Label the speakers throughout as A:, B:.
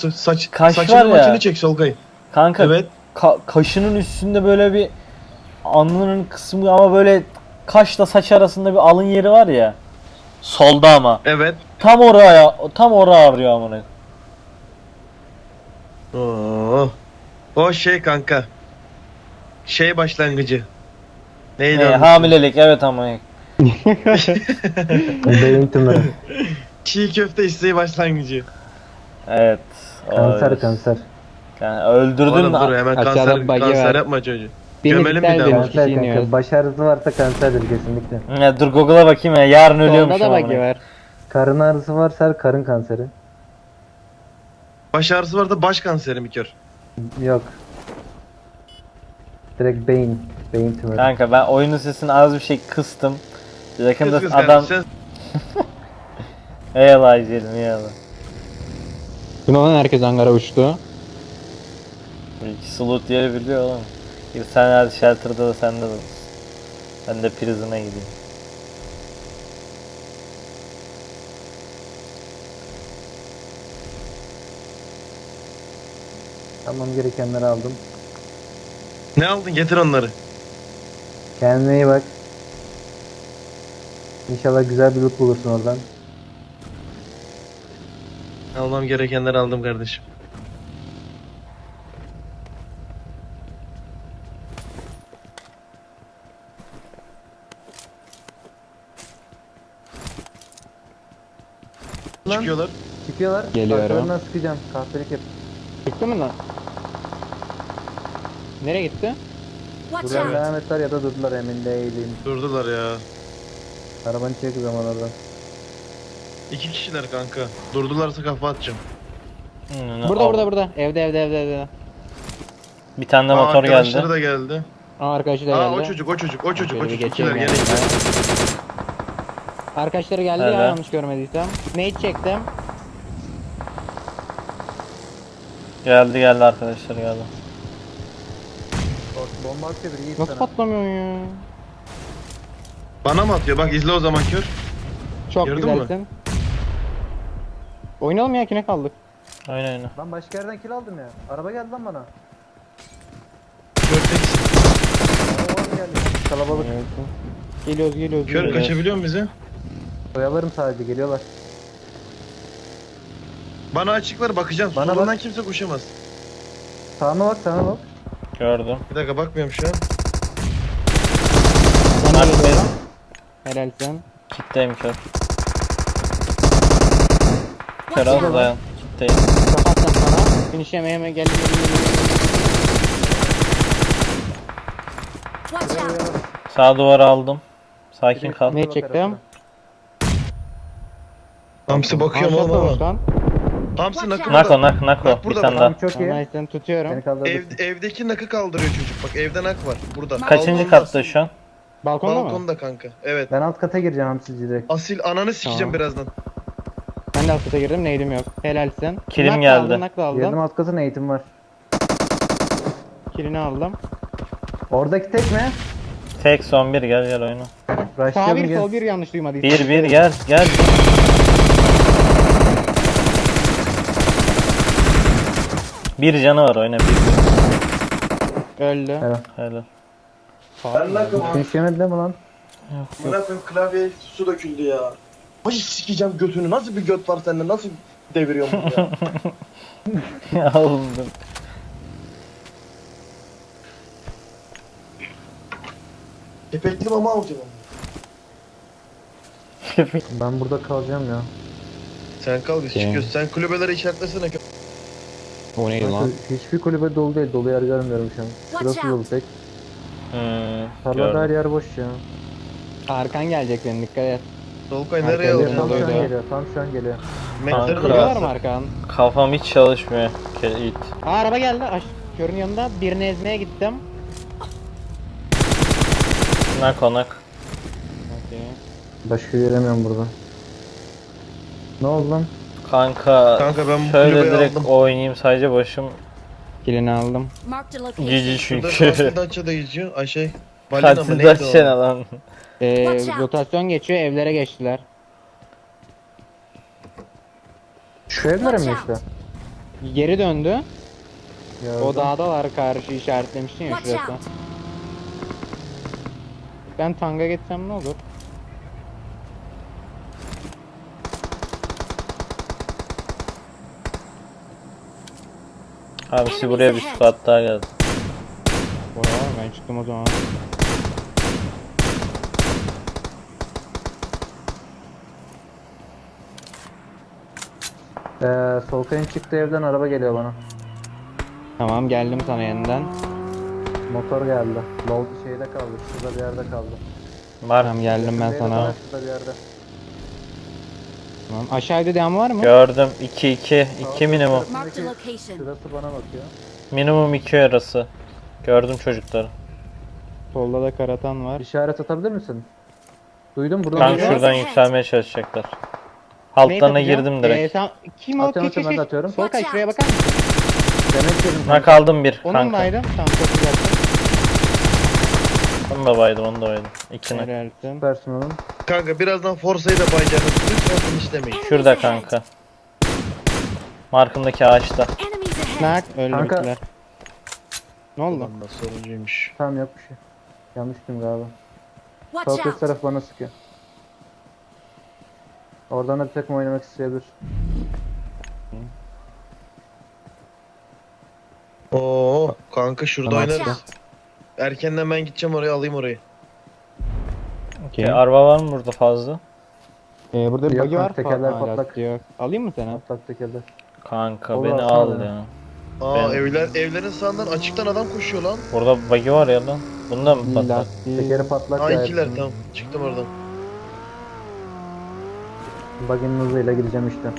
A: Kaş var
B: saçının
A: ya.
B: maçını çek Solkay.
A: Kanka
B: Evet.
A: kaşının üstünde böyle bir alnının kısmı ama böyle kaşla saç arasında bir alın yeri var ya. Solda ama.
B: Evet.
A: Tam oraya ağrıyor amına.
B: Oo. O şey kanka. Şey başlangıcı. Neydi onun ismi?
A: Hamilelik evet ama.
C: Beyin tümörü.
B: Çiğ köfte isteği başlangıcı.
A: Evet.
C: Kanser
A: evet.
C: kanser.
A: Yani öldürdün
B: Oğlum dur hemen
D: Aşağıda buggy
B: kanser
D: var.
B: yapma çocuğu.
D: Beni
B: Gömelim bir
D: iptal
B: daha.
D: edin.
B: bunu.
D: Kişi
C: Kanser
D: iniyoruz.
C: kanka. Baş ağrısı varsa kanserdir kesinlikle.
A: Dur Google'a bakayım ya. Yarın
D: Solda
A: ölüyormuşum
D: da buggy
A: amına.
D: var.
C: Karın ağrısı varsa karın kanseri.
B: Baş ağrısı var da baş kanseri mi kör?
C: Yok. Direkt beyin. Beyin tümörü.
A: Kanka ben oyunun sesini az bir şey kıstım. Yakında
B: Kız
A: adam...
B: kardeşim,
A: Eyvallah izleyelim eyvallah.
D: Dün olan herkes Ankara uçtu.
A: İki slot yeri biliyor oğlum. Bir sen hadi shelter'da da sende de olsun. Ben de prison'a gideyim.
C: Tamam, gerekenleri aldım.
B: Ne aldın getir onları.
C: Kendine iyi bak. İnşallah güzel bir loot bulursun oradan.
B: Almam gerekenleri aldım kardeşim.
C: Lan.
B: Çıkıyorlar.
C: Çıkıyorlar.
D: Geliyorum.
C: Arkalarından sıkacağım. Kahpelik yap.
D: Çıktı mı lan? Nereye gitti?
E: Watch
C: Buraya
E: out!
C: devam ettiler ya da durdular, emin değilim.
B: Durdular ya.
C: Arabanı çek o zaman oradan.
B: 2 kişiler kanka. Durdularsa kafa atacağım.
D: Burada. Evde.
A: Bir tane de
B: Aa,
A: motor
B: arkadaşları
A: geldi.
B: da geldi.
D: Aa, arkadaşı da
B: Aa
D: geldi.
B: o çocuk.
D: Şöyle bir
B: İkiler
D: geçeyim
B: gene
D: ben.
B: ikiler.
D: Arkadaşları geldi
A: Evet.
D: ya, yanlış görmediysem. Nade çektim.
A: Geldi arkadaşlar geldi.
C: Bomba atıyor biri, iyi
D: Nasıl
C: sana.
D: patlamıyor ya?
B: Bana mı atıyor? Bak izle o zaman kör.
D: Çok
B: Gördün mü?
D: güzelsin. Oynayalım ya, kine kaldık.
A: Aynen.
C: Lan başka yerden kill aldım ya. Araba geldi lan bana.
B: Kör teksin.
C: Araba geldi. Kalabalık.
D: Geliyoruz.
B: Kör kaçabiliyor mu bize?
C: Oyalarım sadece, geliyorlar.
B: Bana açık ver bakacağım.
C: Bana
B: Solundan
C: bak.
B: kimse koşamaz.
C: Sağına bak, sağına bak.
A: Gördüm.
B: Bir dakika bakmıyorum şu an.
D: Bana
A: Bak,
D: geliyorum. Helalsin.
A: Kitleyim kör. Kör
E: Watch
A: az
E: out!
A: dayan. Kitleyim.
D: Kapattım sana. Finish yemeye gel.
E: Watch out!
A: Sağ duvara aldım. Sakin kal.
D: Ne çektim?
B: Hamsi bakıyorum
D: Aa,
B: oğlum
D: çok
B: ama.
D: olmuş lan.
B: Hamsi nakı
A: Nako
B: burada.
A: nako.
B: Bak
A: Bir
B: burada
A: tane
B: bak.
A: daha.
C: Tamam, çok iyi.
D: Tamam, sen tutuyorum.
C: Beni kaldırırsın.
B: Evdeki nakı kaldırıyor çocuk. Bak evde nak var. Burada.
A: Kaçıncı
B: Balkonda.
A: katta şu an?
D: Balkonda mı?
B: Balkonda kanka. Evet.
C: Ben alt kata gireceğim hamsici direkt.
B: Asil ananı sikeceğim
D: Tamam.
B: birazdan.
D: Ben de alt kata girdim, neydim yok. Helalsin.
A: Kilim
D: Nak da
A: geldi.
D: Aldım, nak da
C: Girdim
D: aldım.
C: alt katın, eğitim var.
D: Kilini aldım.
C: Oradaki tek mi?
A: Tek son bir gel oyna.
D: Sağ
C: Rushlayalım
D: bir
C: gel.
D: sol bir, yanlış duymadıysam.
A: Bir gel. Bir canı var oyna bir.
D: Öldü.
C: Helal.
A: Helal.
B: Ben nakım abi.
C: Hiç yemedi mi lan?
B: Bana koyayım klavyeye su döküldü ya. Ay sikeceğim götünü. Nasıl bir göt var sende? Nasıl deviriyorsun bunu ya?
A: Aldım.
B: Kepekli mama alacağım.
C: Ben burada kalacağım ya.
B: Sen kal biz
D: Şey.
B: çıkıyoruz. Sen kulübeleri işaretlesene.
D: O neydi lan?
C: Hiçbir kulübe dolu değil. Dolu yer görmüyorum şu an. Şurası
E: Watch
C: dolu
E: out.
C: tek. Tarlada her
A: Gördüm.
C: yer boş ya.
D: Arkan gelecek senin, dikkat et.
B: Solkay
D: Arkaya
B: nereye
D: geliyor,
C: Tam
B: alacaksın?
C: şu an
D: doluydu.
C: geliyor. Tam şu an geliyor.
B: Mektarı
A: Kanka.
B: da
D: Geliyorlar mı
B: var.
D: arkan?
A: Kafam hiç çalışmıyor. It.
D: Aa, araba geldi. Körün yanında birini ezmeye gittim.
A: Nak.
D: Okey.
C: Başka göremiyorum burada. Ne oldu lan?
A: Kanka
B: Kanka ben bu
A: şöyle
B: kulübeyi
A: direkt
B: aldım.
A: oynayayım sadece başım
D: Kilini aldım.
E: Marked a location.
A: cici
B: Şurada
A: çünkü.
B: Katil Datça'da geçiyor. Ay şey. Balina mı
A: Katil
B: neydi o?
A: daçene lan.
E: Watch out.
D: Rotasyon geçiyor, evlere geçtiler.
C: Şu evlere mi
E: Watch
C: işte?
D: Geri döndü.
C: Gördüm.
D: O dağdalar, karşı işaretlemiştin ya
E: Watch
D: şurası.
E: out!
D: Ben tanga geçsem ne olur?
A: Hamsi buraya bir squad daha geldi.
D: Bora ben çıktım o zaman.
C: Solkay'ın çıktığı evden araba geliyor bana.
D: Tamam geldim sana yeniden.
C: Motor geldi. Low şeyde kaldı. Şurada bir yerde kaldı.
A: Var.
D: Tamam geldim ben
C: Yakındaydı
D: sana.
C: bana, şurada bir yerde.
D: Tamam. Aşağıda devam var mı?
A: Gördüm. 2 minimum.
E: Marked a location.
C: Şurası bana bakıyor.
A: Minimum 2 arası. Gördüm çocukları.
D: Solda da karatan var.
C: İşaret atabilir misin? Duydum buradan.
A: Kanka
C: duyuyor.
A: şuradan yükselmeye çalışacaklar. Altlarına girdim direkt.
D: Kim o?
C: Atıyorum,
D: Keş,
C: ben de atıyorum.
D: Solkay şuraya bakar mısın?
C: Demek yedim
A: Buna
C: kanka.
A: kaldım bir
D: Onun
A: kanka.
D: baydım. Tamam çok güzelsin.
A: Onu da baydım, onu da baydım. İkini.
D: Helalsin.
C: Süpersin oğlum.
B: Kanka birazdan Forsa'yı da bayacağım. Lütfen finishlemeyin.
A: Şurada kanka. Markımdaki ağaçta.
E: Enemies ahead!
D: Nak öldü
C: Kanka.
D: bittiler. Ne oldu?
B: Ulan da soruncuymuş.
C: Tamam yok bir şey. Yanlıştım galiba.
E: Watch
C: Solkay
E: out!
C: taraf bana sıkıyor. Oradan da bir takım oynamak isteyebilir.
B: Oo kanka şurada
C: Tamam.
E: Watch
B: oynarız.
E: out!
B: Erkenden ben gideceğim oraya, alayım orayı.
D: Okey.
A: Araba var mı burada fazla?
D: Burada bir
C: Yok
D: buggy
C: kanka,
D: var.
C: tekerler
D: Hala
C: patlak.
D: yok. Alayım mı seni?
C: Atlak tekerler.
A: Kanka
C: Olur,
A: beni
C: alsana
A: al
C: beni.
A: ya.
B: Aa
A: Ben-
B: evlerin sağından açıktan adam koşuyor lan.
A: Burada buggy var ya lan. Bunda mı patlar?
D: Lastiği.
C: Tekeri patlak
B: Aa
C: ya.
B: ikiler tamam. Çıktım oradan.
C: Bug'in hızıyla gideceğim işte.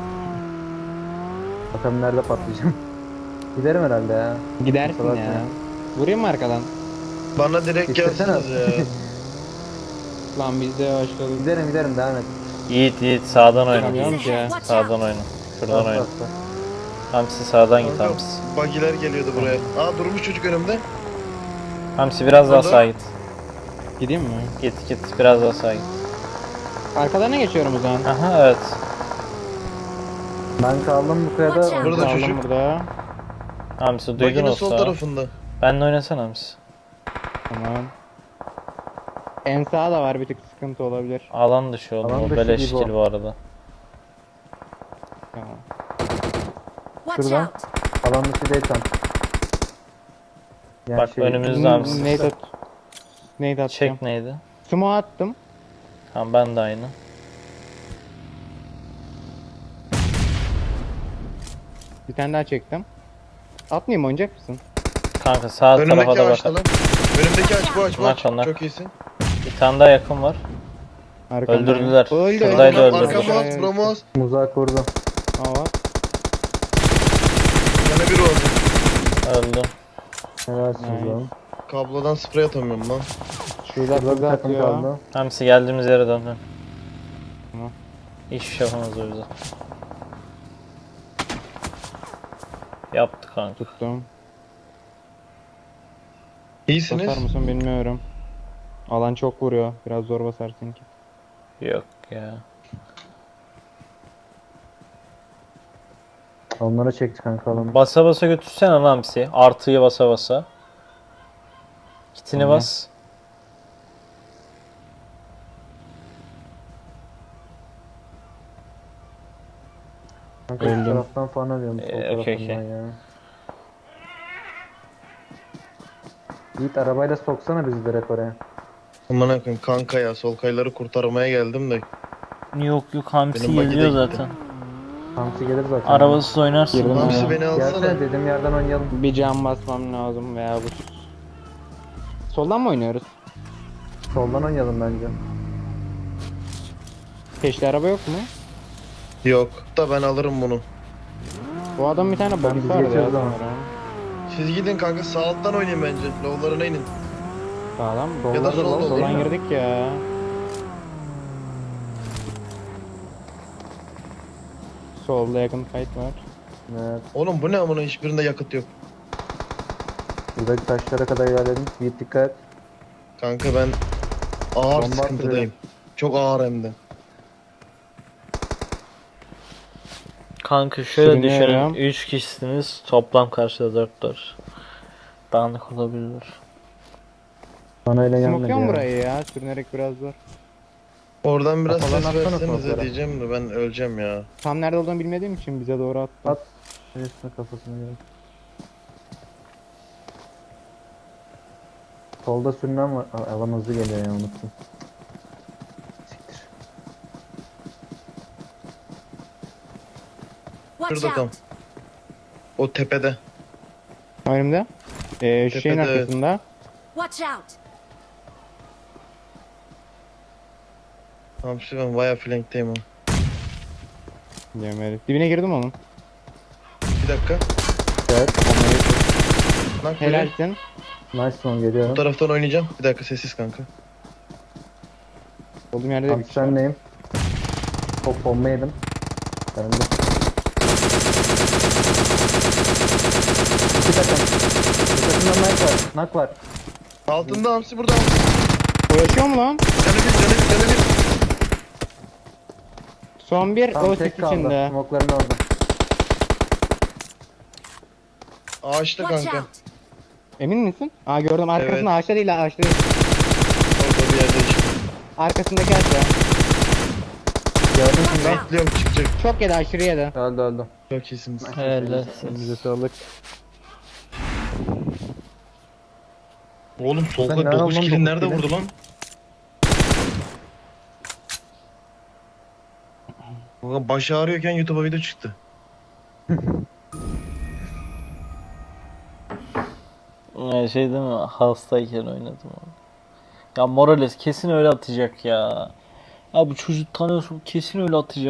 C: Bakalım nerede patlayacağım. Giderim herhalde ya.
D: Gidersin
C: Kusura
D: ya.
C: bakma.
D: Vurayım mı arkadan?
B: Bana direkt
C: İstesene.
B: gelsiniz ya.
D: Lan biz de başladık.
C: Giderim devam et.
A: Yiğit sağdan oyna.
D: Tamam ya.
E: Watch
A: Sağdan
E: out!
A: oyna. Şuradan
C: Bas,
A: oyna.
C: bas, bas.
A: Hamsi sağdan git
B: Kanka,
A: Hamsi.
B: Bagiler geliyordu buraya. Aa durmuş çocuk önümde.
A: Hamsi biraz daha
B: Burada.
A: sağa git.
D: Gideyim mi?
A: Git biraz daha sağa git.
D: Arkalarına geçiyorum o zaman.
A: Aha evet.
C: Ben kaldım bu kayada.
E: Watch out.
B: Burada
D: Kaldım
B: çocuk.
D: burada.
A: Hamsi duydun
B: Baginin
A: o
B: sol
A: sağı.
B: tarafında.
A: Benle oynasana Hamsi.
D: Tamam. En sağ da var, bir tık sıkıntı olabilir.
A: Alan dışı oğlum.
C: Alan
A: O
C: dışı
A: beleş
C: gibi o.
A: kill bu arada.
D: Tamam.
E: Watch
C: Şurada.
E: out!
C: Alan dışı değil tam. Yani
A: Bak önümüzde Hamsi.
D: Neydi at? Neydi atacağım?
A: Çek neydi?
D: Smoke attım.
A: Tamam ben de aynı.
D: Bir tane daha çektim. Atmayayım mı, oynayacak mısın?
A: Kanka sağ tarafa
B: Önümdeki
A: da
B: ağaçta
A: bak.
B: lan. Önümdeki ağaç bu ağaç bu ağaç.
A: Nak, nak.
B: Çok iyisin.
A: Bir tane daha yakın var.
D: Arkamdan.
A: Öldürdüler.
D: Öldü.
A: Şuradaydı,
D: öldü.
A: öldürdüler.
B: Arkamaz, bromaz.
C: Muzak vurdu.
D: Aa,
B: Yana bir oldu.
A: Öldü.
C: Helalsiniz
D: Nice.
C: lan.
B: Kablodan sprey atamıyorum lan.
D: şurada
C: Şurada bir
D: kız
C: takım
D: atıyor.
C: kaldı.
A: Hamsi geldiğimiz yere dön. dön.
D: Tamam.
A: Hiçbir şey yapamaz o bize. Yaptı kanka.
D: Tuttum.
B: İyisiniz.
D: Basar mısın bilmiyorum. Alan çok vuruyor. Biraz zor basarsın ki.
A: Yok ya.
C: Onlara çekti kanka alanı.
A: Basa basa götürsene lan Hamsi. Artıyı basa basa. Kitini
D: Tamam.
A: bas.
C: Kanka şu
D: Öldüm.
C: taraftan falan arıyorum. Sol
A: Okey,
C: tarafından
A: okey.
C: ya. Yiğit arabayla soksana bizi direkt oraya.
B: Aman akın kanka ya, sol kayları kurtarmaya geldim de.
A: Yok Hamsi
B: Benim buggy de
A: geliyor
B: gitti.
A: zaten.
C: Hamsi gelir zaten.
A: Arabasız oynarsın.
D: Girdim
A: ya.
B: Hamsi beni alsana.
C: Gelsene dediğim yerden oynayalım.
D: Bir cam basmam lazım veya bu. Soldan mı oynuyoruz?
C: Soldan oynayalım bence.
D: Peşli araba yok mu?
B: Yok da ben alırım bunu.
D: Bu adam bir tane
C: Ben
D: box
C: bizi
D: vardı ya
C: geçiyoruz ama.
D: sanırım.
B: Siz gidin kanka, sağ alttan oynayın bence. Low'larına inin.
D: Sağlam mı?
C: Solda
B: Ya da
C: da
B: solda
C: var,
B: olur.
C: değil
D: Soldan
C: mi?
D: girdik ya. Solda yakın fight var.
C: Evet.
B: Oğlum bu ne amına, hiçbirinde yakıt yok.
C: Buradaki taşlara kadar ilerledim. Yiğit dikkat et.
B: Kanka ben ağır
C: Bomba
B: sıkıntıdayım.
C: atıyorum.
B: Çok ağır hem de.
A: Kanka şöyle düşünün.
D: Sürünüyorum.
A: 3 kişisiniz. Toplam karşıda 4'tür. Dağınık olabilir.
C: Bana öyle gelmedi
D: Smokluyorum
C: ya.
D: burayı ya. Sürünerek biraz zor.
B: Oradan biraz
C: Kafadan
B: ses
C: atsana
B: versenize
C: smoke'lara.
B: diyeceğim de ben öleceğim ya.
D: Tam nerede olduğunu bilmediğim için bize doğru attı.
C: At. Resmi kafasına göre. Solda sürünen var. Alan hızlı geliyor ya, unuttum. Siktir.
E: Watch
B: Şurada tam.
E: out!
B: O tepede.
D: Önümde. Şu şeyin
B: Tepede, evet.
D: arkasında.
E: Watch out!
B: Hamsi ben baya flankteyim o.
D: Yemedim. Dibine girdim onun.
B: Bir dakika.
C: Evet.
B: Nak biri.
D: Helalsin.
C: Nice one,
B: Bu
C: geliyorum.
B: taraftan oynayacağım. Bir dakika sessiz kanka.
D: Olduğum yerde de
C: Tam
D: bir kişi var.
C: sendeyim. Çok bomba yedim. Ben de. İki takım. Bir takımda knock var. Knock var.
B: Altında Hamsi burada Hamsi.
D: O yaşıyor mu lan?
B: Canı bir canı bir canı bir.
D: Son bir.
C: Tam
D: O
C: tek
D: sis
C: kaldı.
D: içinde.
C: Smoke'ların orada.
B: Ağaçta
E: Watch
B: kanka.
E: out!
D: Emin misin? Aa gördüm. Arkasında
B: Evet.
D: ağaçta değil. Ağaçta değil.
B: Orada bir yerde işte.
D: Arkasındaki ağaçta.
C: Gördün mü?
E: Watch out!
B: Bekliyorum çıkacak.
D: Çok yedi aşırı yedi.
C: Öldü öldü.
B: Çok iyisiniz.
A: Evet.
C: Bize sağlık.
B: Oğlum
C: Sen
B: Solkay
C: nereden
B: 9
C: lan
B: kill
C: dokuz
B: nerede
C: kill'i?
B: vurdu lan? Ulan baş ağrıyorken YouTube'a video çıktı.
A: Şey değil mi? Hastayken oynadım onu. Ya Morales kesin öyle atacak ya. Ya bu çocuk tanıyorsun, kesin öyle atacak.